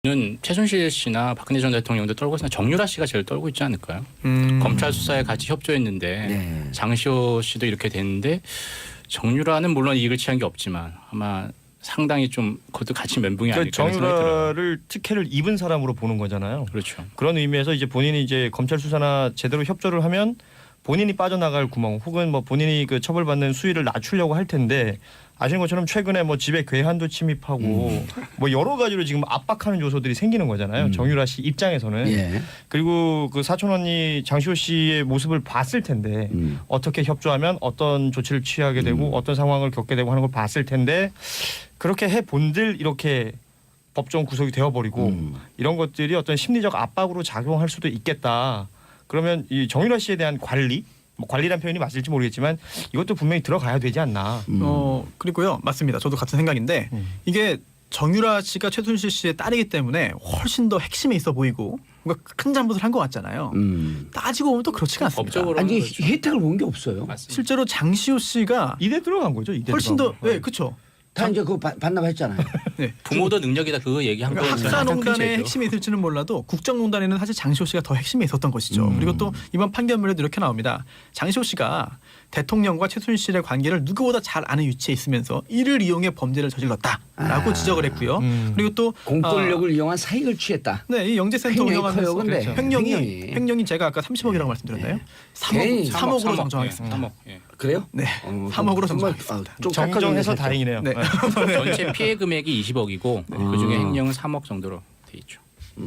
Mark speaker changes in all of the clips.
Speaker 1: 는 최순실 씨나 박근혜 전 대통령도 떨고 있으나 정유라 씨가 제일 떨고 있지 않을까요? 검찰 수사에 같이 협조했는데
Speaker 2: 네.
Speaker 1: 장시호 씨도 이렇게 됐는데 정유라는 물론 이익을 취한 게 없지만 아마 상당히 좀 그것도 같이 멘붕이
Speaker 3: 그러니까
Speaker 1: 아닐까 생각이 들어요.
Speaker 3: 정유라를 특혜를 입은 사람으로 보는 거잖아요.
Speaker 1: 그렇죠.
Speaker 3: 그런 의미에서 이제 본인이 이제 검찰 수사나 제대로 협조를 하면 본인이 빠져나갈 구멍 혹은 뭐 본인이 그 처벌받는 수위를 낮추려고 할 텐데 아시는 것처럼 최근에 뭐 집에 괴한도 침입하고 뭐 여러 가지로 지금 압박하는 요소들이 생기는 거잖아요. 정유라 씨 입장에서는.
Speaker 2: 예.
Speaker 3: 그리고 그 사촌 언니 장시호 씨의 모습을 봤을 텐데 어떻게 협조하면 어떤 조치를 취하게 되고 어떤 상황을 겪게 되고 하는 걸 봤을 텐데 그렇게 해 본들 이렇게 법정 구속이 되어버리고 이런 것들이 어떤 심리적 압박으로 작용할 수도 있겠다. 그러면 이 정유라 씨에 대한 관리, 뭐 관리란 표현이 맞을지 모르겠지만 이것도 분명히 들어가야 되지 않나.
Speaker 4: 그리고요, 맞습니다. 저도 같은 생각인데 이게 정유라 씨가 최순실 씨의 딸이기 때문에 훨씬 더 핵심에 있어 보이고 뭔가 큰 잘못을 한 것 같잖아요. 따지고 보면 또 그렇지가 않습니다.
Speaker 1: 법적으로
Speaker 2: 아니
Speaker 1: 그렇죠.
Speaker 2: 혜택을 본 게 없어요.
Speaker 1: 맞습니다.
Speaker 4: 실제로 장시호 씨가
Speaker 3: 이대 들어간 거죠. 이대
Speaker 4: 훨씬
Speaker 3: 들어간
Speaker 4: 더,
Speaker 3: 거.
Speaker 4: 네, 그렇죠.
Speaker 2: 다 이제 그거 반납했잖아요.
Speaker 4: 네.
Speaker 1: 부모도 능력이다 그거 얘기한 거예요.
Speaker 4: 학사농단의 핵심이 있을지는 몰라도 국정농단에는 사실 장시호 씨가 더 핵심에 있었던 것이죠. 그리고 또 이번 판결문에도 이렇게 나옵니다. 장시호 씨가 대통령과 최순실의 관계를 누구보다 잘 아는 위치에 있으면서 이를 이용해 범죄를 저질렀다라고 지적을 했고요. 그리고 또
Speaker 2: 공권력을 이용한 사익을 취했다.
Speaker 4: 네, 이 영재센터
Speaker 2: 횡령이
Speaker 4: 운영하면서
Speaker 2: 커요, 근데.
Speaker 4: 횡령이 제가 아까 30억이라고 말씀드렸나요?
Speaker 2: 괜히
Speaker 4: 3억으로 정정하겠습니다.
Speaker 1: 3억. 예.
Speaker 2: 그래요?
Speaker 4: 네, 3억으로
Speaker 2: 정말
Speaker 4: 정정하겠습니다.
Speaker 2: 좀
Speaker 3: 정정해서
Speaker 2: 깎아주세요.
Speaker 3: 다행이네요.
Speaker 4: 네.
Speaker 1: 전체 피해 금액이 20억이고 그중에 횡령은 3억 정도로 돼 있죠.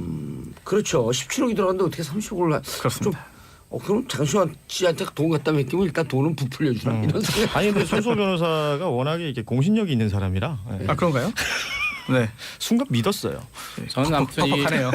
Speaker 2: 그렇죠. 17억이 들어갔는데 어떻게 30억을
Speaker 4: 그렇습니다.
Speaker 2: 그럼 장시호 씨한테 돈 갖다 맡기면 일단 돈은 부풀려 주나 이런 생각.
Speaker 3: 아니 근데 손소 변호사가 워낙에 이렇게 공신력이 있는 사람이라 예.
Speaker 4: 아 그런가요? 네,
Speaker 3: 순간 믿었어요.
Speaker 1: 저는 아무튼
Speaker 4: 퍽퍽하네요.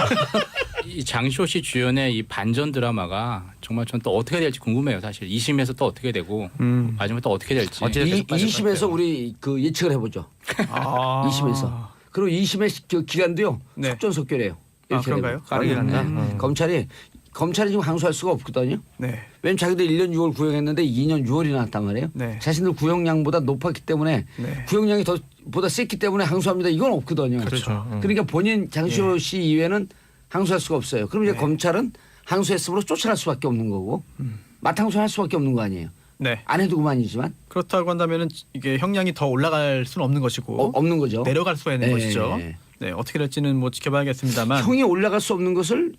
Speaker 1: 이 장시호 씨 주연의 이 반전 드라마가 정말 전 또 어떻게 될지 궁금해요. 사실 2심에서 또 어떻게 되고 마지막에 또 어떻게 될지.
Speaker 3: 어찌됐든
Speaker 2: 2심에서 우리 그 예측을 해보죠.
Speaker 4: 아,
Speaker 2: 2심에서. 그리고 2심의 그 기간도요.
Speaker 4: 네.
Speaker 2: 속전속결해요.
Speaker 4: 아, 그런가요?
Speaker 3: 빠르긴 하네.
Speaker 2: 검찰이 지금 항소할 수가 없거든요.
Speaker 4: 네.
Speaker 2: 왜냐면 자기들 1년 6월 구형했는데 2년 6월이 나왔단 말이에요.
Speaker 4: 네.
Speaker 2: 자신들 구형량보다 높았기 때문에
Speaker 4: 네.
Speaker 2: 구형량이 보다 셌기 때문에 항소합니다. 이건 없거든요.
Speaker 4: 그렇죠.
Speaker 2: 그러니까 본인 장시호 씨 이외에는 항소할 수가 없어요. 그럼 이제 검찰은 항소했으므로 쫓아날 수밖에 없는 거고 맞항소할 수밖에 없는 거 아니에요.
Speaker 4: 네.
Speaker 2: 안 해도 그만이지만
Speaker 4: 그렇다고 한다면은 이게 형량이 더 올라갈 수는 없는 것이고
Speaker 2: 없는 거죠.
Speaker 4: 내려갈 수가 있는
Speaker 2: 네.
Speaker 4: 것이죠. 네, 어떻게 될지는 뭐 지켜봐야겠습니다만
Speaker 2: 형이 올라갈 수 없는 것을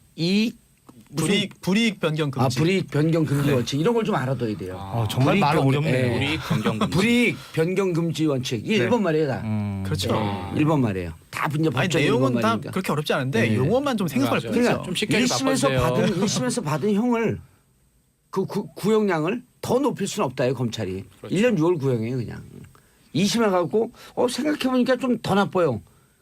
Speaker 4: 불이익 변경 금지.
Speaker 2: 불이익 변경 금지 원칙 이런 걸 좀 알아둬야 돼요.
Speaker 3: 정말 말 어렵네요.
Speaker 1: 우리 변경 금지.
Speaker 2: 불이익 변경 금지 원칙 이게
Speaker 4: 네.
Speaker 2: 일본 말이에요 다.
Speaker 4: 그렇죠.
Speaker 2: 일본 말이에요. 다 이제
Speaker 4: 아니
Speaker 2: 법적 일본
Speaker 4: 내용은 다
Speaker 2: 말이니까.
Speaker 4: 그렇게 어렵지 않은데
Speaker 2: 네.
Speaker 4: 용어만 좀 생소할
Speaker 1: 맞아요.
Speaker 4: 뿐이죠.
Speaker 2: 그러니까
Speaker 1: 좀 쉽게 좀
Speaker 2: 1심에서 받은 형을 그 구형량을 더 높일 수는 없다요 검찰이.
Speaker 1: 그렇죠.
Speaker 2: 1년 6월 구형이에요 그냥. 2심에 갖고 생각해보니까 좀 더 나빠요.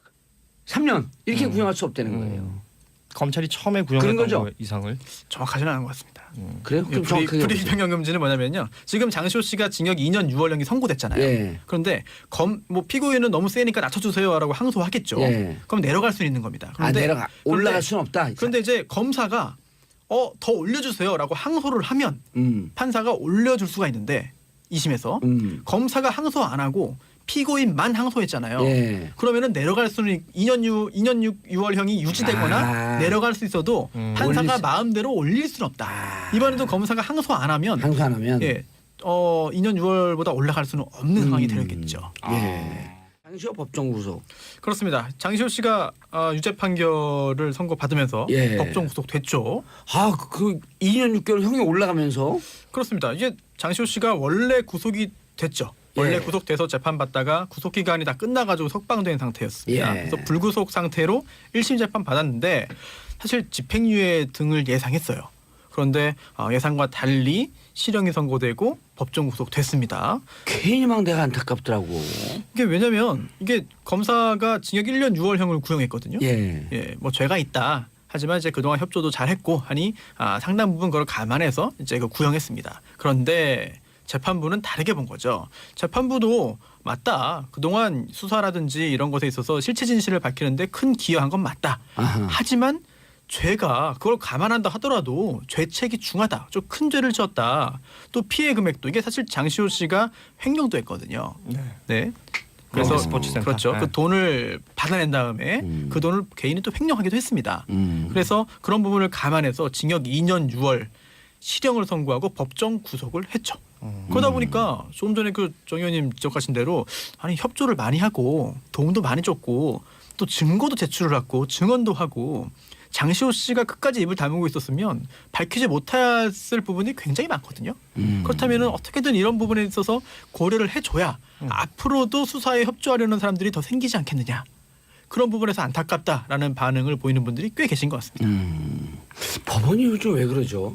Speaker 2: 3년 이렇게 구형할 수 없다는 거예요.
Speaker 3: 검찰이 처음에
Speaker 2: 그런
Speaker 3: 구형했던
Speaker 2: 거죠.
Speaker 3: 거 이상을
Speaker 4: 정확하지는 않은 것 같습니다.
Speaker 2: 그래요? 그럼 정확하게
Speaker 4: 불이익
Speaker 2: 해보세요.
Speaker 4: 변경 금지는 뭐냐면요. 지금 장시호 씨가 징역 2년 6월형이 선고됐잖아요.
Speaker 2: 예.
Speaker 4: 그런데 뭐 피고인은 너무 세니까 낮춰주세요라고 항소하겠죠.
Speaker 2: 예.
Speaker 4: 그럼 내려갈 수 있는 겁니다.
Speaker 2: 올라갈 수는 없다.
Speaker 4: 그런데 이제 검사가 더 올려주세요라고 항소를 하면 판사가 올려줄 수가 있는데 2심에서 검사가 항소 안 하고 피고인만 항소했잖아요.
Speaker 2: 예.
Speaker 4: 그러면은 내려갈 수는 2년 6월형이 유지되거나 내려갈 수 있어도 판사가 마음대로 올릴 수는 없다. 이번에도 검사가 항소 안 하면
Speaker 2: 항소 안 하면
Speaker 4: 예, 2년 6월보다 올라갈 수는 없는 상황이 되겠죠.
Speaker 2: 예. 장시호 법정 구속.
Speaker 4: 그렇습니다. 장시호 씨가 유죄 판결을 선고받으면서
Speaker 2: 예.
Speaker 4: 법정 구속됐죠.
Speaker 2: 그 2년 6개월 형이 올라가면서
Speaker 4: 그렇습니다. 이제 장시호 씨가 원래 구속이 됐죠. 원래
Speaker 2: 예.
Speaker 4: 구속돼서 재판받다가 구속 기간이 다 끝나가지고 석방된 상태였습니다.
Speaker 2: 예.
Speaker 4: 그래서 불구속 상태로 1심 재판 받았는데 사실 집행유예 등을 예상했어요. 그런데 예상과 달리 실형이 선고되고 법정 구속됐습니다.
Speaker 2: 괜히 막 내가 안타깝더라고.
Speaker 4: 이게 왜냐면 이게 검사가 징역 1년 6월형을 구형했거든요.
Speaker 2: 예.
Speaker 4: 뭐 죄가 있다. 하지만 이제 그동안 협조도 잘했고 하니 상당 부분 그걸 감안해서 이제 그 구형했습니다. 그런데 재판부는 다르게 본 거죠. 재판부도 맞다. 그동안 수사라든지 이런 것에 있어서 실체 진실을 밝히는데 큰 기여한 건 맞다.
Speaker 2: 아하.
Speaker 4: 하지만 죄가 그걸 감안한다 하더라도 죄책이 중하다. 좀 큰 죄를 지었다. 또 피해 금액도 이게 사실 장시호 씨가 횡령도 했거든요. 네. 그래서
Speaker 3: 스포츠센터.
Speaker 4: 그렇죠.
Speaker 3: 네.
Speaker 4: 그 돈을 받아낸 다음에 그 돈을 개인이 또 횡령하기도 했습니다. 그래서 그런 부분을 감안해서 징역 2년 6월 실형을 선고하고 법정 구속을 했죠. 그러다 보니까 조금 전에 그 정 의원님 지적하신 대로 아니 협조를 많이 하고 도움도 많이 줬고 또 증거도 제출을 하고 증언도 하고 장시호 씨가 끝까지 입을 다물고 있었으면 밝히지 못했을 부분이 굉장히 많거든요. 그렇다면 어떻게든 이런 부분에 있어서 고려를 해줘야 앞으로도 수사에 협조하려는 사람들이 더 생기지 않겠느냐. 그런 부분에서 안타깝다라는 반응을 보이는 분들이 꽤 계신 것 같습니다.
Speaker 2: 법원이 요즘 왜 그러죠?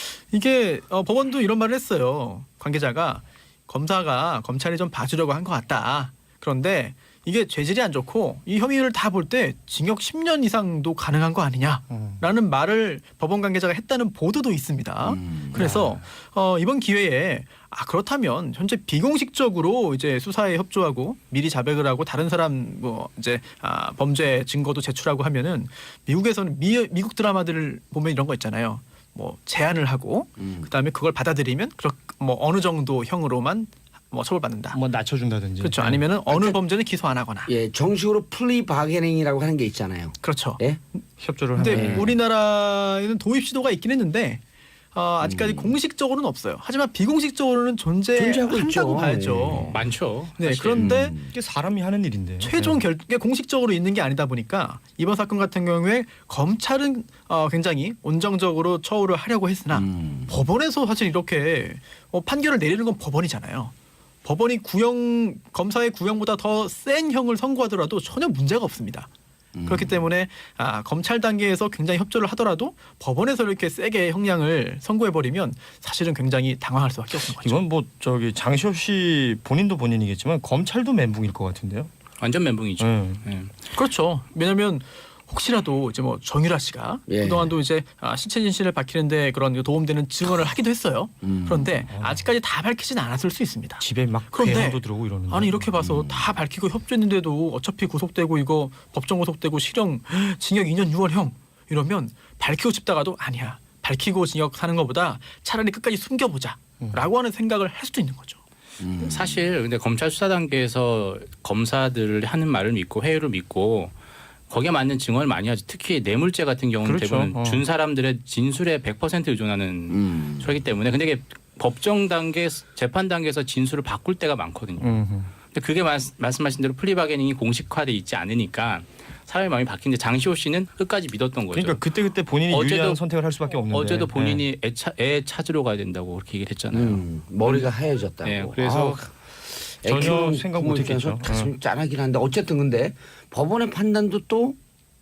Speaker 4: 이게 법원도 이런 말을 했어요. 관계자가 검사가 검찰이 좀 봐주려고 한 것 같다. 그런데 이게 죄질이 안 좋고 이 혐의를 다 볼 때 징역 10년 이상도 가능한 거 아니냐라는 말을 법원 관계자가 했다는 보도도 있습니다. 그래서 이번 기회에 그렇다면 현재 비공식적으로 이제 수사에 협조하고 미리 자백을 하고 다른 사람 뭐 이제 범죄 증거도 제출하고 하면은 미국에서는 미국 드라마들을 보면 이런 거 있잖아요. 뭐 제안을 하고 그다음에 그걸 받아들이면 뭐 어느 정도 형으로만 뭐 처벌받는다.
Speaker 3: 뭐 낮춰준다든지.
Speaker 4: 그렇죠. 아니면은 어느 범죄는 기소 안 하거나.
Speaker 2: 예, 정식으로 플리 바게닝이라고 하는 게 있잖아요.
Speaker 4: 그렇죠.
Speaker 2: 예?
Speaker 3: 협조를
Speaker 4: 근데
Speaker 3: 하면.
Speaker 4: 우리나라에는 도입 시도가 있긴 했는데 아직까지 공식적으로는 없어요. 하지만 비공식적으로는
Speaker 2: 존재하고 있죠.
Speaker 4: 존재한다고 봐야죠.
Speaker 1: 많죠.
Speaker 4: 네,
Speaker 1: 사실.
Speaker 4: 그런데
Speaker 3: 이게 사람이 하는 일인데.
Speaker 4: 최종 결국에 공식적으로 있는 게 아니다 보니까 이번 사건 같은 경우에 검찰은 굉장히 온정적으로 처우를 하려고 했으나 법원에서 사실 이렇게 판결을 내리는 건 법원이잖아요. 법원이 검사의 구형보다 더 센 형을 선고하더라도 전혀 문제가 없습니다. 그렇기 때문에 검찰 단계에서 굉장히 협조를 하더라도 법원에서 이렇게 세게 형량을 선고해버리면 사실은 굉장히 당황할 수밖에 없는 거죠.
Speaker 3: 이건 뭐 장시호 씨 본인도 본인이겠지만 검찰도 멘붕일 것 같은데요.
Speaker 1: 완전 멘붕이죠. 예.
Speaker 4: 그렇죠. 왜냐하면 혹시라도 이제 뭐 정유라 씨가
Speaker 2: 예.
Speaker 4: 그동안도 이제 신체 진실을 밝히는데 그런 도움되는 증언을 하기도 했어요. 그런데 아직까지 다 밝히지는 않았을 수 있습니다.
Speaker 3: 집에 막
Speaker 4: 그런데
Speaker 3: 괴한도 들어오고 이러는데.
Speaker 4: 아니 이렇게 봐서 다 밝히고 협조했는데도 어차피 구속되고 이거 법정 구속되고 실형 징역 2년 6월형 이러면 밝히고 싶다가도 아니야. 밝히고 징역 사는 것보다 차라리 끝까지 숨겨보자라고 하는 생각을 할 수도 있는 거죠.
Speaker 1: 사실 근데 검찰 수사 단계에서 검사들 하는 말을 믿고 회유를 믿고 거기에 맞는 증언을 많이 하죠. 특히 뇌물죄 같은 경우는
Speaker 3: 그렇죠.
Speaker 1: 대부분 준 사람들의 진술에 100% 의존하는 소리기 때문에 근데 이게 법정 단계, 재판 단계에서 진술을 바꿀 때가 많거든요. 근데 그게 말씀하신 대로 플리바게닝이 공식화돼 있지 않으니까 사람의 마음이 바뀌는데 장시호 씨는 끝까지 믿었던 거죠.
Speaker 3: 그러니까 그때 본인이 유리한 선택을 할 수밖에 없는데.
Speaker 1: 어제도 본인이 애 찾으러 가야 된다고 그렇게 얘기를 했잖아요.
Speaker 2: 머리가 하얘졌다고.
Speaker 1: 네, 그래서
Speaker 3: 전혀 생각 못했겠죠.
Speaker 2: 가슴이 짠하긴 한데 어쨌든 근데 법원의 판단도 또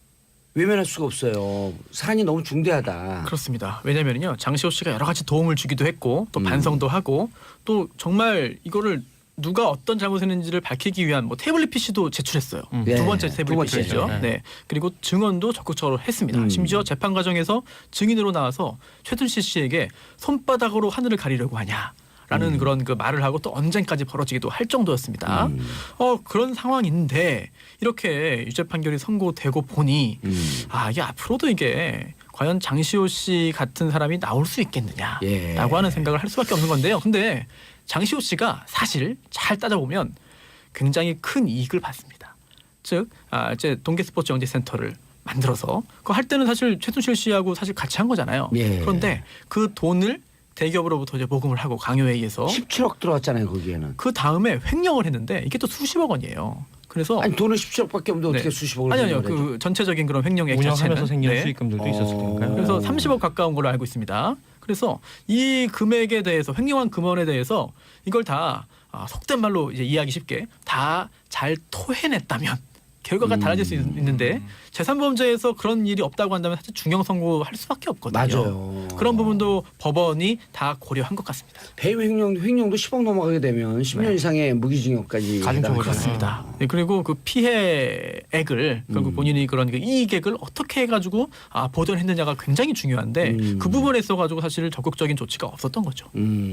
Speaker 2: 외면할 수가 없어요. 사안이 너무 중대하다.
Speaker 4: 그렇습니다. 왜냐면요 장시호 씨가 여러 가지 도움을 주기도 했고 또 반성도 하고 또 정말 이거를 누가 어떤 잘못했는지를 밝히기 위한 뭐 태블릿 PC도 제출했어요. 두 번째 태블릿 PC죠. 네. 그리고 증언도 적극적으로 했습니다. 심지어 재판 과정에서 증인으로 나와서 최순실 씨에게 손바닥으로 하늘을 가리려고 하냐. 라는 그런 그 말을 하고 또 언쟁까지 벌어지기도 할 정도였습니다. 그런 상황인데 이렇게 유죄 판결이 선고되고 보니 이게 앞으로도 이게 과연 장시호 씨 같은 사람이 나올 수 있겠느냐라고 하는 생각을 할 수밖에 없는 건데요. 근데 장시호 씨가 사실 잘 따져보면 굉장히 큰 이익을 받습니다. 즉 이제 동계스포츠영재센터를 만들어서 그거 할 때는 사실 최순실 씨하고 사실 같이 한 거잖아요.
Speaker 2: 예.
Speaker 4: 그런데 그 돈을 대기업으로부터 이제 모금을 하고 강요에 의해서
Speaker 2: 17억 들어왔잖아요 거기에는.
Speaker 4: 그 다음에 횡령을 했는데 이게 또 수십억 원이에요. 그래서
Speaker 2: 아니 돈은 17억밖에 없는데 어떻게 수십억을
Speaker 4: 아니요
Speaker 2: 횡령을 해줘?
Speaker 4: 그 전체적인 그런 횡령액
Speaker 3: 운영하면서
Speaker 4: 자체는
Speaker 3: 생기는 수익금들도 있었을 테니까요.
Speaker 4: 그래서 30억 가까운 걸로 알고 있습니다. 그래서 이 금액에 대해서 횡령한 금원에 대해서 이걸 다 속된 말로 이제 이해하기 쉽게 다 잘 토해냈다면 결과가 달라질 수 있는데 제3범죄에서 그런 일이 없다고 한다면 사실 중형 선고할 수밖에 없거든요.
Speaker 2: 맞아요.
Speaker 4: 그런 부분도 법원이 다 고려한 것 같습니다.
Speaker 2: 배임 횡령도 10억 넘어가게 되면 10년 이상의 무기징역까지
Speaker 3: 가중처벌
Speaker 4: 그렇습니다. 네, 그리고 그 피해액을 결국 본인이 그런 그 이익액을 어떻게 해가지고 보전했느냐가 굉장히 중요한데 그 부분에 있어가지고 사실 적극적인 조치가 없었던 거죠.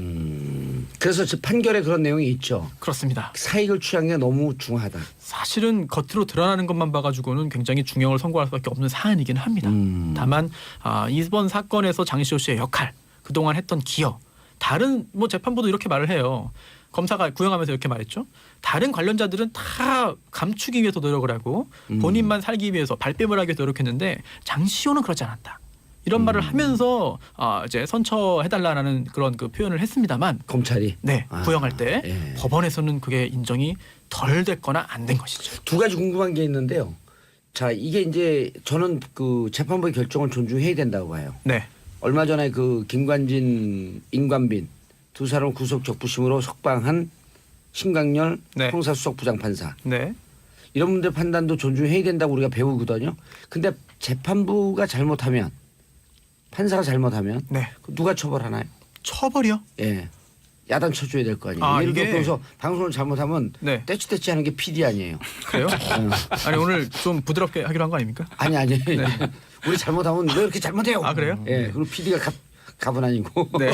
Speaker 2: 그래서 저 판결에 그런 내용이 있죠.
Speaker 4: 그렇습니다.
Speaker 2: 사익을 취한 게 너무 중하다.
Speaker 4: 사실은 겉으로 드러나는 것만 봐가지고는 굉장히 중형을 선고할 수밖에 없는 사안이기는 합니다. 다만 이번 사건에서 장시호 씨의 역할, 그동안 했던 기여, 다른 뭐 재판부도 이렇게 말을 해요. 검사가 구형하면서 이렇게 말했죠. 다른 관련자들은 다 감추기 위해서 노력을 하고 본인만 살기 위해서 발뺌을 하기 위해서 노력했는데 장시호는 그렇지 않았다. 이런 말을 하면서 이제 선처해달라는 그런 그 표현을 했습니다만
Speaker 2: 검찰이
Speaker 4: 네, 구형할 때
Speaker 2: 예.
Speaker 4: 법원에서는 그게 인정이 덜 됐거나 안 된 것이죠.
Speaker 2: 두 가지 궁금한 게 있는데요. 자, 이게 이제 저는 그 재판부의 결정을 존중해야 된다고 봐요.
Speaker 4: 네,
Speaker 2: 얼마 전에 그 김관진, 임관빈 두 사람을 구속 적부심으로 석방한 신강렬
Speaker 4: 네.
Speaker 2: 형사수석 부장판사
Speaker 4: 네,
Speaker 2: 이런 분들 판단도 존중해야 된다고 우리가 배우거든요. 근데 재판부가 잘못하면 판사가 잘못하면
Speaker 4: 네.
Speaker 2: 누가 처벌하나요?
Speaker 4: 처벌이요?
Speaker 2: 예. 야단 쳐줘야 될 거 아니에요.
Speaker 4: 아,
Speaker 2: 예를
Speaker 4: 이게-
Speaker 2: 들어서 방송을 잘못하면
Speaker 4: 네.
Speaker 2: 떼치떼치 하는 게 PD 아니에요.
Speaker 4: 그래요? 아니 오늘 좀 부드럽게 하기로 한 거 아닙니까?
Speaker 2: 아니 우리 잘못하면 왜 이렇게 잘못해요?
Speaker 4: 아, 그래요?
Speaker 2: 예. 그리고 PD가 갑은 아니고.
Speaker 4: 네.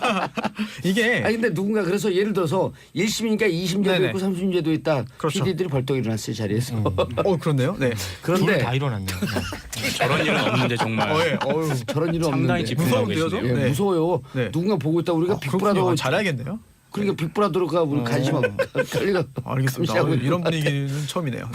Speaker 4: 이게
Speaker 2: 아니 근데 누군가 그래서 예를 들어서 1심이니까 2심제도
Speaker 4: 네네.
Speaker 2: 있고 3심제도 있다.
Speaker 4: 그렇죠.
Speaker 2: PD들이 벌떡 일어났어요 자리에서.
Speaker 4: 그렇네요. 네.
Speaker 2: 그런데
Speaker 3: 둘다 일어났네요.
Speaker 1: 저런 일은 없는데 정말
Speaker 4: 예. 어유.
Speaker 2: 저런 일은
Speaker 1: 상당히
Speaker 2: 없는데.
Speaker 1: 집중하고
Speaker 4: 무서운데요,
Speaker 1: 계시네요.
Speaker 2: 예,
Speaker 4: 네.
Speaker 2: 무서워요.
Speaker 4: 네.
Speaker 2: 누군가 보고 있다 우리가 빅브라더
Speaker 4: 그렇군요. 잘해야겠네요.
Speaker 2: 그러니까 빅브라더가 우리 관심하고 관리가
Speaker 4: 알겠습니다.
Speaker 2: 감시하고
Speaker 4: 이런 분위기는 처음이네요.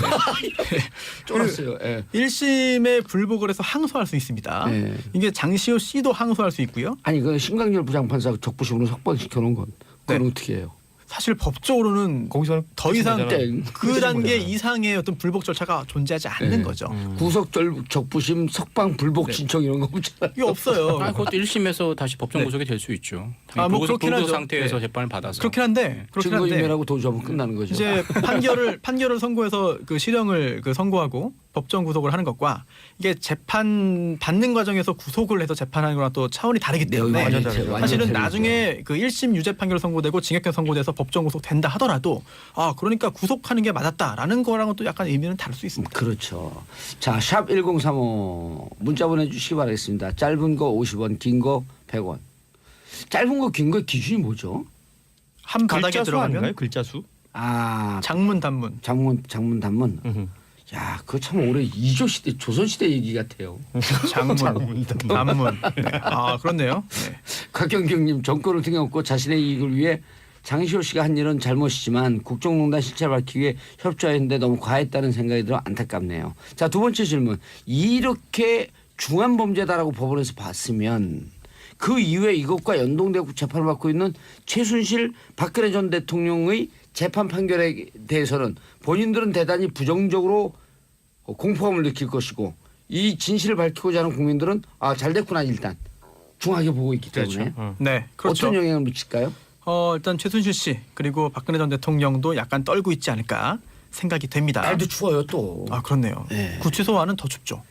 Speaker 2: 쫄았어요. 예.
Speaker 4: 1심에 불복을 해서 항소할 수 있습니다.
Speaker 2: 네.
Speaker 4: 이게 장시호 씨도 항소할 수 있고요.
Speaker 2: 아니 그 신강렬 부장판사 적부심으로 석방시켜 놓은 건 그건
Speaker 4: 네.
Speaker 2: 어떻게 해요?
Speaker 4: 사실 법적으로는
Speaker 3: 거기서는
Speaker 4: 더 이상
Speaker 2: 땡.
Speaker 4: 그 단계
Speaker 3: 거잖아요.
Speaker 4: 이상의 어떤 불복 절차가 존재하지 않는
Speaker 2: 네.
Speaker 4: 거죠.
Speaker 2: 구속 적부심 석방 불복
Speaker 4: 네.
Speaker 2: 신청 이런 거 없잖아요.
Speaker 4: 이게 없어요.
Speaker 1: 아, 그것도 1심에서 다시 법정
Speaker 4: 네.
Speaker 1: 구속이 될 수 있죠.
Speaker 4: 아, 뭐 그렇긴
Speaker 1: 불구속
Speaker 4: 하죠.
Speaker 1: 상태에서
Speaker 4: 네.
Speaker 1: 재판을 받아서.
Speaker 4: 그렇긴 한데
Speaker 2: 증거인멸하고 도주하면 끝나는 거죠.
Speaker 4: 이제 판결을 선고해서 그 실형을 그 선고하고 법정 구속을 하는 것과 이게 재판 받는 과정에서 구속을 해서 재판하는 거랑 또 차원이 다르기 때문에
Speaker 3: 완전 다르죠.
Speaker 4: 사실은
Speaker 2: 다르죠.
Speaker 4: 나중에 그 1심 유죄 판결 선고되고 징역형 선고돼서 법정 구속 된다 하더라도 그러니까 구속하는 게 맞았다라는 거랑은 또 약간 의미는 다를 수 있습니다.
Speaker 2: 그렇죠. 자, 샵 1035 문자 보내주시기 바라겠습니다. 짧은 거 50원, 긴 거 100원. 짧은 거, 긴 거 기준이 뭐죠?
Speaker 4: 한 바닥에
Speaker 3: 글자 수 아닌가요?
Speaker 4: 들어가면
Speaker 3: 글자 수?
Speaker 2: 아,
Speaker 4: 장문 단문.
Speaker 2: 장문 단문. 야, 그거 참 오래 이조 시대, 조선 시대 얘기 같아요.
Speaker 4: 장문, 단문. 네. 그렇네요. 네.
Speaker 2: 곽경경님 정권을 등에업고 자신의 이익을 위해 장시호 씨가 한 일은 잘못이지만 국정농단 실체를 밝히기 위해 협조했는데 너무 과했다는 생각이 들어 안타깝네요. 자, 두 번째 질문. 이렇게 중한 범죄다라고 법원에서 봤으면 그 이후에 이것과 연동되고 재판을 받고 있는 최순실 박근혜 전 대통령의 재판 판결에 대해서는 본인들은 대단히 부정적으로 공포감을 느낄 것이고 이 진실을 밝히고자 하는 국민들은 잘 됐구나 일단 중하게 보고 있기 때문에
Speaker 4: 네, 그렇죠.
Speaker 2: 어떤 영향을 미칠까요?
Speaker 4: 일단 최순실 씨 그리고 박근혜 전 대통령도 약간 떨고 있지 않을까 생각이 됩니다.
Speaker 2: 날도 추워요 또.
Speaker 4: 그렇네요.
Speaker 2: 네.
Speaker 4: 구치소와는 더 춥죠.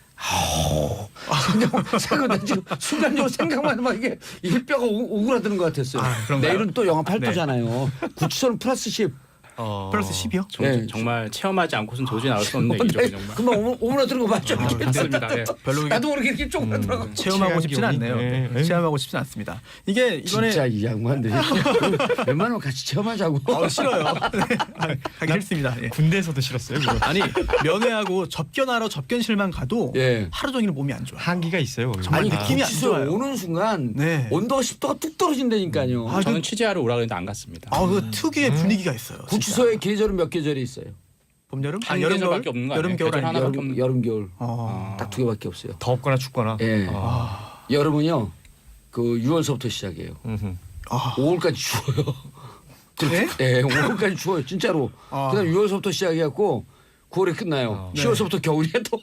Speaker 2: 생각나 지금 순간적으로 생각만 해봐 이게 뼈가 오그라드는 것 같았어요.
Speaker 4: 그런가요?
Speaker 2: 내일은 또 영하 8도잖아요. 구치소는 플러스 10.
Speaker 4: 플러스 10이요?
Speaker 2: 네.
Speaker 1: 정말 체험하지 않고서는 도저히 나올 수 없는 얘기죠. 정말.
Speaker 2: 금방 오므라드는 거 맞죠?
Speaker 1: 맞습니다. 네.
Speaker 4: 별로
Speaker 2: 나도 모르게 이렇게 쪼그라들어.
Speaker 4: 체험하고 싶진
Speaker 3: 체한
Speaker 4: 않네요.
Speaker 3: 기운이.
Speaker 4: 네. 체험하고 싶진 않습니다. 이게 이번에
Speaker 2: 진짜 이 양반들이 웬만하면 같이 체험하자고.
Speaker 4: 싫어요. 네. 가기 싫습니다. 예.
Speaker 3: 군대에서도 싫었어요. 그거.
Speaker 4: 아니 면회하고 접견하러 접견실만 가도
Speaker 2: 예.
Speaker 4: 하루 종일 몸이 안 좋아요.
Speaker 3: 한기가 있어요. 거기.
Speaker 4: 정말
Speaker 2: 아니
Speaker 4: 느낌이 안
Speaker 2: 구치소에
Speaker 4: 좋아요.
Speaker 2: 오는 순간
Speaker 4: 네.
Speaker 2: 온도가 10도가 뚝 떨어진다니까요.
Speaker 1: 저는 취재하러 오라 그랬는데 안 갔습니다.
Speaker 4: 그 특유의 분위기가 있어요.
Speaker 2: 구치소의 계절은 몇 계절이 있어요?
Speaker 4: 봄 여름?
Speaker 1: 한
Speaker 4: 여름
Speaker 1: 계절밖에 없는 거 아니에요?
Speaker 4: 여름 겨울
Speaker 1: 계절
Speaker 4: 아니에요?
Speaker 1: 하나밖에 없는
Speaker 2: 여름 겨울
Speaker 4: 어.
Speaker 2: 딱 두 개밖에 없어요.
Speaker 3: 덥거나 춥거나.
Speaker 2: 예. 여름은요 그 6월서부터 시작해요.
Speaker 3: 음흠.
Speaker 2: 5월까지 추워요.
Speaker 4: 네?
Speaker 2: 네, 5월까지 추워요. 진짜로. 그다음 6월서부터 시작해갖고 9월에 끝나요. 10월서부터 겨울이야 또.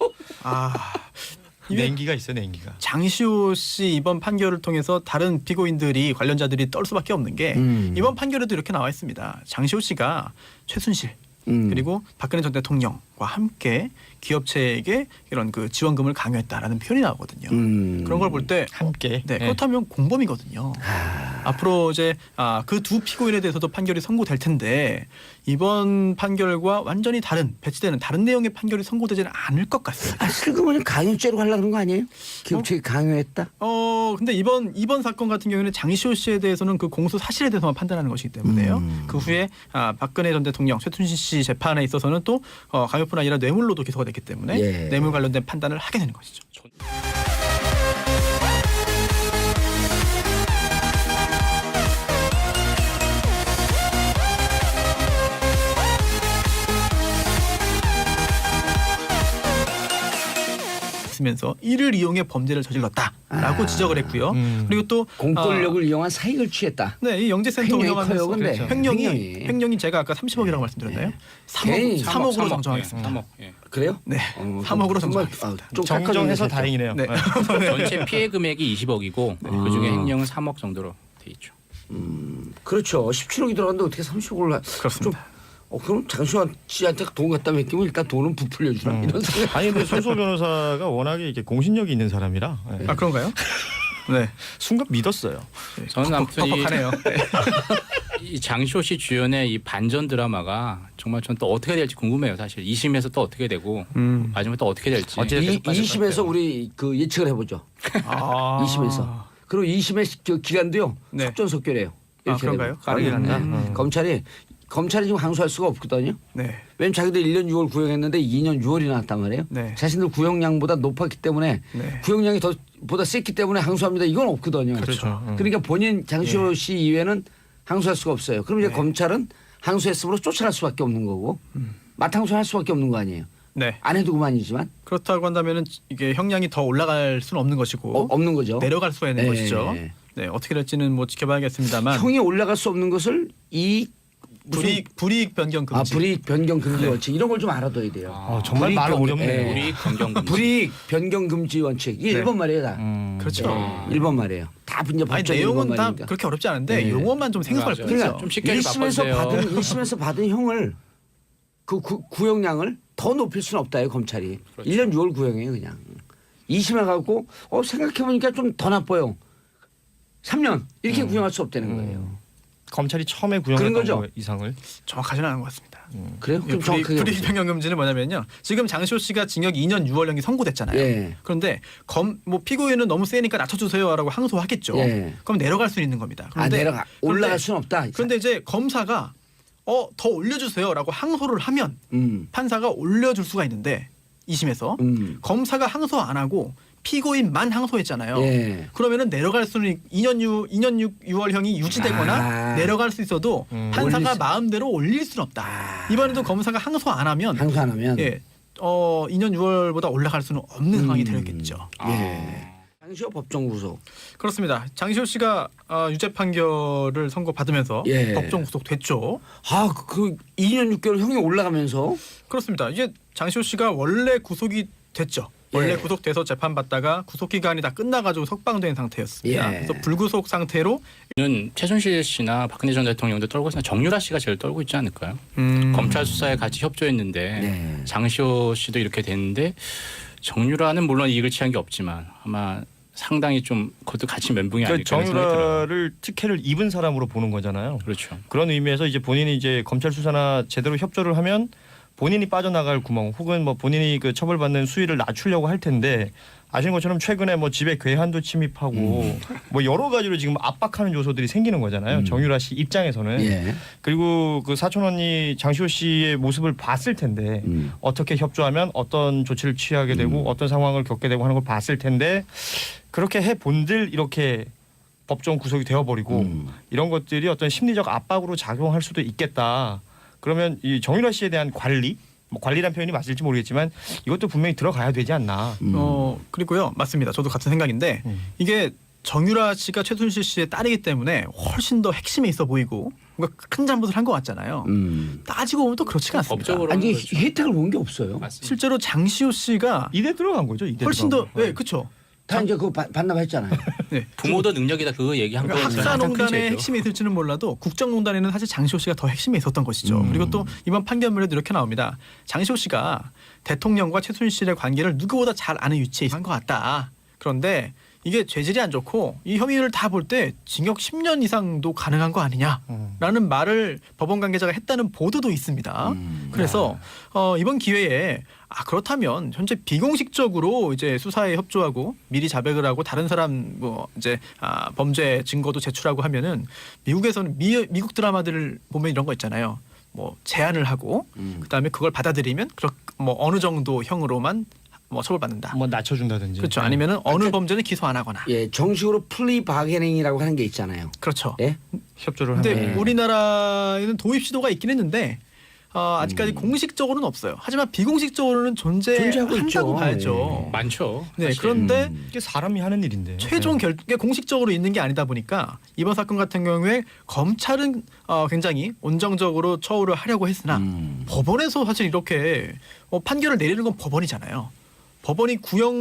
Speaker 3: 냉기가 있어요. 냉기가.
Speaker 4: 장시호 씨 이번 판결을 통해서 다른 피고인들이 관련자들이 떨 수밖에 없는 게 이번 판결에도 이렇게 나와 있습니다. 장시호 씨가 최순실 그리고 박근혜 전 대통령과 함께 기업체에게 이런 그 지원금을 강요했다라는 표현이 나오거든요. 그런 걸 볼 때
Speaker 3: 함께.
Speaker 4: 네, 그렇다면 공범이거든요. 앞으로 이제 그 두 피고인에 대해서도 판결이 선고될 텐데 이번 판결과 완전히 다른 배치되는 다른 내용의 판결이 선고되지는 않을 것 같습니다.
Speaker 2: 슬그머니 강요죄로 하려고 그런 거 아니에요? 기업체가 강요했다?
Speaker 4: 근데 이번 사건 같은 경우에는 장시호 씨에 대해서는 그 공소 사실에 대해서만 판단하는 것이기 때문에요. 그 후에 박근혜 전 대통령, 최순실 씨 재판에 있어서는 또 강요뿐 아니라 뇌물로도 기소가 됐기 때문에
Speaker 2: 예.
Speaker 4: 뇌물 관련된 판단을 하게 되는 것이죠. 있으면서 이를 이용해 범죄를 저질렀다라고 지적을 했고요. 그리고 또
Speaker 2: 공권력을 이용한 사익을 취했다.
Speaker 4: 네, 이 영재센터
Speaker 2: 횡령이
Speaker 4: 운영하면서
Speaker 2: 커요, 근데.
Speaker 4: 횡령이 제가 아까 30억이라고 말씀드렸나요?
Speaker 2: 괜히
Speaker 4: 3억으로 정정하겠습니다.
Speaker 1: 3억. 예.
Speaker 2: 그래요?
Speaker 4: 네,
Speaker 2: 어,
Speaker 4: 3억으로
Speaker 2: 정말,
Speaker 4: 정정하겠습니다.
Speaker 2: 좀
Speaker 3: 정정해서
Speaker 2: 깎아주네,
Speaker 3: 다행이네요.
Speaker 4: 네.
Speaker 1: 전체 피해 금액이 20억이고 그중에 횡령은 3억 정도로 돼 있죠.
Speaker 2: 그렇죠. 17억이 들어갔는데 어떻게 30억을
Speaker 4: 그렇습니다.
Speaker 2: 그럼 장시환 씨한테 돈 갖다 맡기면 일단 돈은 부풀려 주나 이런 생각.
Speaker 3: 아니 근데 손소 변호사가 워낙에 이게 공신력이 있는 사람이라 예.
Speaker 4: 아 그런가요? 네,
Speaker 3: 순간 믿었어요.
Speaker 1: 저는 아무튼
Speaker 4: 퍽퍽하네요.
Speaker 1: 이 장시호 씨 주연의 이 반전 드라마가 정말 전 또 어떻게 될지 궁금해요. 사실 2심에서 또 어떻게 되고 마지막에 또 어떻게 될지.
Speaker 3: 어쨌든
Speaker 2: 2심에서 우리 그 예측을 해보죠.
Speaker 4: 아.
Speaker 2: 2심에서. 그리고 2심의 그 기간도요.
Speaker 4: 네.
Speaker 2: 속전속결해요.
Speaker 4: 아, 그런가요?
Speaker 3: 빠르게 간다.
Speaker 2: 검찰이 지금 항소할 수가 없거든요.
Speaker 4: 네.
Speaker 2: 왜냐면 자기들 1년 6월 구형했는데 2년 6월이 나왔단 말이에요.
Speaker 4: 네.
Speaker 2: 자신들 구형량보다 높았기 때문에
Speaker 4: 네.
Speaker 2: 구형량이 보다 셌기 때문에 항소합니다. 이건 없거든요.
Speaker 3: 그렇죠.
Speaker 2: 그러니까 본인 장시호 씨 이외에는 항소할 수가 없어요. 그럼 이제 검찰은 항소했으므로 쫓아날 수밖에 없는 거고 맞항소할 수밖에 없는 거 아니에요.
Speaker 4: 네.
Speaker 2: 안 해도 그만이지만
Speaker 4: 그렇다고 한다면은 이게 형량이 더 올라갈 수는 없는 것이고
Speaker 2: 없는 거죠.
Speaker 4: 내려갈 수가 있는 것이죠. 네, 어떻게 될지는 뭐 지켜봐야겠습니다만.
Speaker 2: 형이 올라갈 수 없는 것을
Speaker 4: 불이익 변경 금지.
Speaker 2: 불이익 변경 금지 원칙 이런 걸 좀 알아둬야 돼요.
Speaker 3: 정말 말 어렵네요.
Speaker 1: 불이익 변경 금지.
Speaker 2: 불이익 변경 금지 원칙 이게
Speaker 4: 네.
Speaker 2: 일본 말이에요 다.
Speaker 4: 그렇죠.
Speaker 2: 일본 말이에요. 다 이제
Speaker 4: 아니
Speaker 2: 법적 일본
Speaker 4: 내용은 다
Speaker 2: 말이니까.
Speaker 4: 그렇게 어렵지 않은데
Speaker 2: 네.
Speaker 4: 용어만 좀 생소할
Speaker 1: 맞아요.
Speaker 4: 뿐이죠.
Speaker 2: 그러니까
Speaker 1: 좀 쉽게 좀
Speaker 2: 1심에서 받은 형을 그 구형량을 더 높일 수는 없다요 검찰이.
Speaker 1: 그렇죠.
Speaker 2: 1년 6월 구형이에요 그냥. 2심에 가고 생각해보니까 좀 더 나빠요. 3년 이렇게 구형할 수 없다는 거예요.
Speaker 3: 검찰이 처음에
Speaker 2: 그런
Speaker 3: 구형했던
Speaker 2: 거죠?
Speaker 3: 거 이상을
Speaker 4: 정확하지는 않은 것 같습니다.
Speaker 2: 그래요? 그럼 정확하게
Speaker 4: 불이익
Speaker 2: 해보세요.
Speaker 4: 변경 금지는 뭐냐면요. 지금 장시호 씨가 징역 2년 6월형이 선고됐잖아요.
Speaker 2: 예.
Speaker 4: 그런데 뭐 피고인은 너무 세니까 낮춰주세요라고 항소하겠죠.
Speaker 2: 예.
Speaker 4: 그럼 내려갈 수 있는 겁니다.
Speaker 2: 내려가 올라갈 수는 없다.
Speaker 4: 그런데 이제 검사가 더 올려주세요라고 항소를 하면 판사가 올려줄 수가 있는데 2심에서 검사가 항소 안 하고 피고인만 항소했잖아요.
Speaker 2: 예.
Speaker 4: 그러면은 내려갈 수는 2년 6월형이 유지되거나 내려갈 수 있어도 판사가 마음대로 올릴 수는 없다. 이번에도 검사가 항소 안 하면
Speaker 2: 항소 안 하면
Speaker 4: 예, 2년 6월보다 올라갈 수는 없는 상황이 되겠죠.
Speaker 2: 예. 장시호 법정 구속.
Speaker 4: 그렇습니다. 장시호 씨가 유죄 판결을 선고받으면서
Speaker 2: 예.
Speaker 4: 법정 구속됐죠.
Speaker 2: 그 2년 6개월 형이 올라가면서
Speaker 4: 그렇습니다. 이제 장시호 씨가 원래 구속이 됐죠. 원래
Speaker 2: 예.
Speaker 4: 구속돼서 재판받다가 구속 기간이 다 끝나가지고 석방된 상태였습니다.
Speaker 2: 예.
Speaker 4: 그래서 불구속 상태로
Speaker 1: 는 최순실 씨나 박근혜 전 대통령도 떨고 있으나 정유라 씨가 제일 떨고 있지 않을까요? 검찰 수사에 같이 협조했는데
Speaker 2: 네.
Speaker 1: 장시호 씨도 이렇게 됐는데 정유라는 물론 이익을 취한 게 없지만 아마 상당히 좀 그것도 같이 멘붕이
Speaker 3: 그
Speaker 1: 아닐까 생각이 들어요.
Speaker 3: 정유라를 특혜를 입은 사람으로 보는 거잖아요.
Speaker 1: 그렇죠.
Speaker 3: 그런 의미에서 이제 본인이 이제 검찰 수사나 제대로 협조를 하면 본인이 빠져나갈 구멍 혹은 뭐 본인이 그 처벌받는 수위를 낮추려고 할 텐데 아시는 것처럼 최근에 뭐 집에 괴한도 침입하고 뭐 여러 가지로 지금 압박하는 요소들이 생기는 거잖아요. 정유라 씨 입장에서는.
Speaker 2: 예.
Speaker 3: 그리고 그 사촌 언니 장시호 씨의 모습을 봤을 텐데 어떻게 협조하면 어떤 조치를 취하게 되고 어떤 상황을 겪게 되고 하는 걸 봤을 텐데 그렇게 해 본들 이렇게 법정 구속이 되어버리고 이런 것들이 어떤 심리적 압박으로 작용할 수도 있겠다. 그러면 이 정유라 씨에 대한 관리, 뭐 관리란 표현이 맞을지 모르겠지만 이것도 분명히 들어가야 되지 않나.
Speaker 4: 그리고요. 맞습니다. 저도 같은 생각인데 이게 정유라 씨가 최순실 씨의 딸이기 때문에 훨씬 더 핵심에 있어 보이고 뭔가 큰 잘못을 한 것 같잖아요. 따지고 보면 또 그렇지가 않습니다.
Speaker 1: 법적으로
Speaker 2: 아니 혜택을 본 게 없어요.
Speaker 1: 맞습니다.
Speaker 4: 실제로 장시호 씨가
Speaker 3: 이대 들어간 거죠. 이대
Speaker 4: 훨씬 더
Speaker 3: 들어간 거.
Speaker 4: 네, 그렇죠.
Speaker 2: 다 이제 그거 반납했잖아요.
Speaker 4: 네.
Speaker 1: 부모도 능력이다 그거 얘기한 거
Speaker 4: 학사농단의 핵심이 있을지는 몰라도 국정농단에는 사실 장시호 씨가 더 핵심에 있었던 것이죠. 그리고 또 이번 판결문에도 이렇게 나옵니다. 장시호 씨가 대통령과 최순실의 관계를 누구보다 잘 아는 위치에 있는 것 같다. 그런데 이게 죄질이 안 좋고 이 혐의를 다 볼 때 징역 10년 이상도 가능한 거 아니냐라는 말을 법원 관계자가 했다는 보도도 있습니다. 그래서 이번 기회에 그렇다면 현재 비공식적으로 이제 수사에 협조하고 미리 자백을 하고 다른 사람 뭐 이제 범죄 증거도 제출하고 하면은 미국에서는 미국 드라마들을 보면 이런 거 있잖아요. 뭐 제안을 하고 그다음에 그걸 받아들이면 뭐 어느 정도 형으로만 뭐 처벌받는다.
Speaker 3: 뭐 낮춰준다든지.
Speaker 4: 그렇죠. 아니면은 어느 범죄는 기소 안 하거나.
Speaker 2: 예, 정식으로 플리 바게닝이라고 하는 게 있잖아요.
Speaker 4: 그렇죠.
Speaker 2: 예?
Speaker 3: 협조를
Speaker 4: 근데
Speaker 3: 하는.
Speaker 4: 우리나라에는 도입 시도가 있긴 했는데 아직까지 공식적으로는 없어요. 하지만 비공식적으로는
Speaker 2: 존재하고 있죠.
Speaker 4: 존재한다고 봐야죠.
Speaker 1: 많죠.
Speaker 4: 네,
Speaker 1: 사실.
Speaker 4: 그런데
Speaker 3: 이게 사람이 하는 일인데.
Speaker 4: 최종 결국에 공식적으로 있는 게 아니다 보니까 이번 사건 같은 경우에 검찰은 굉장히 온정적으로 처우를 하려고 했으나 법원에서 사실 이렇게 판결을 내리는 건 법원이잖아요. 법원이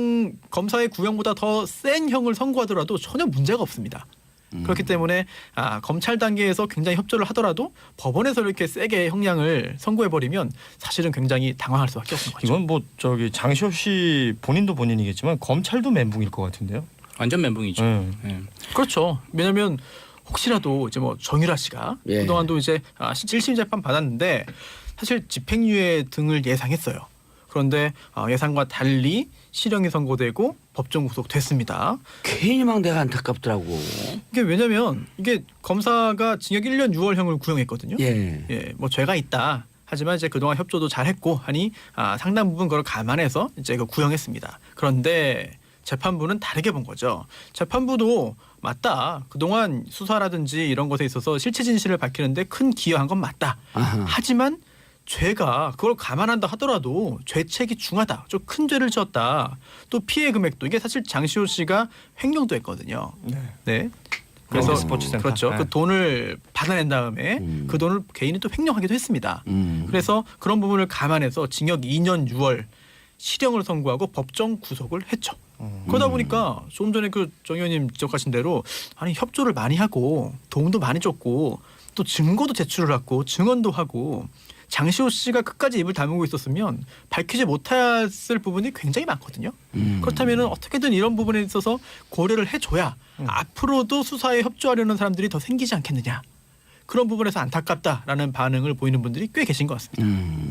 Speaker 4: 검사의 구형보다 더 센 형을 선고하더라도 전혀 문제가 없습니다. 그렇기 때문에 검찰 단계에서 굉장히 협조를 하더라도 법원에서 이렇게 세게 형량을 선고해버리면 사실은 굉장히 당황할 수밖에 없는 거죠.
Speaker 3: 이건 뭐 장시호 씨 본인도 본인이겠지만 검찰도 멘붕일 것 같은데요.
Speaker 1: 완전 멘붕이죠. 네.
Speaker 4: 그렇죠. 왜냐하면 혹시라도 이제 뭐 정유라 씨가
Speaker 2: 예.
Speaker 4: 그동안도 이제 1심 재판 받았는데 사실 집행유예 등을 예상했어요. 그런데 예상과 달리 실형이 선고되고 법정 구속됐습니다.
Speaker 2: 괜히 막 내가 안타깝더라고.
Speaker 4: 이게 왜냐면 이게 검사가 징역 1년 6월형을 구형했거든요.
Speaker 2: 예.
Speaker 4: 예, 뭐 죄가 있다. 하지만 이제 그동안 협조도 잘했고 하니 상당 부분 그걸 감안해서 이제 구형했습니다. 그런데 재판부는 다르게 본 거죠. 재판부도 맞다. 그동안 수사라든지 이런 것에 있어서 실체 진실을 밝히는데 큰 기여한 건 맞다.
Speaker 2: 아하.
Speaker 4: 하지만 죄가 그걸 감안한다 하더라도 죄책이 중하다. 좀 큰 죄를 지었다. 또 피해 금액도 이게 사실 장시호 씨가 횡령도 했거든요. 네. 그래서
Speaker 3: 스포츠센터.
Speaker 4: 그렇죠.
Speaker 3: 네.
Speaker 4: 그 돈을 받아낸 다음에 그 돈을 개인이 또 횡령하기도 했습니다. 그래서 그런 부분을 감안해서 징역 2년 6월 실형을 선고하고 법정 구속을 했죠. 그러다 보니까 조금 전에 그 정 의원님 지적하신 대로 아니 협조를 많이 하고 도움도 많이 줬고 또 증거도 제출을 하고 증언도 하고 장시호 씨가 끝까지 입을 다물고 있었으면 밝히지 못했을 부분이 굉장히 많거든요. 그렇다면 어떻게든 이런 부분에 있어서 고려를 해줘야 앞으로도 수사에 협조하려는 사람들이 더 생기지 않겠느냐. 그런 부분에서 안타깝다라는 반응을 보이는 분들이 꽤 계신 것 같습니다.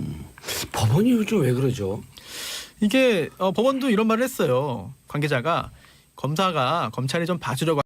Speaker 2: 법원이 요즘 왜 그러죠?
Speaker 4: 이게 법원도 이런 말을 했어요. 관계자가 검찰이 좀 봐주려고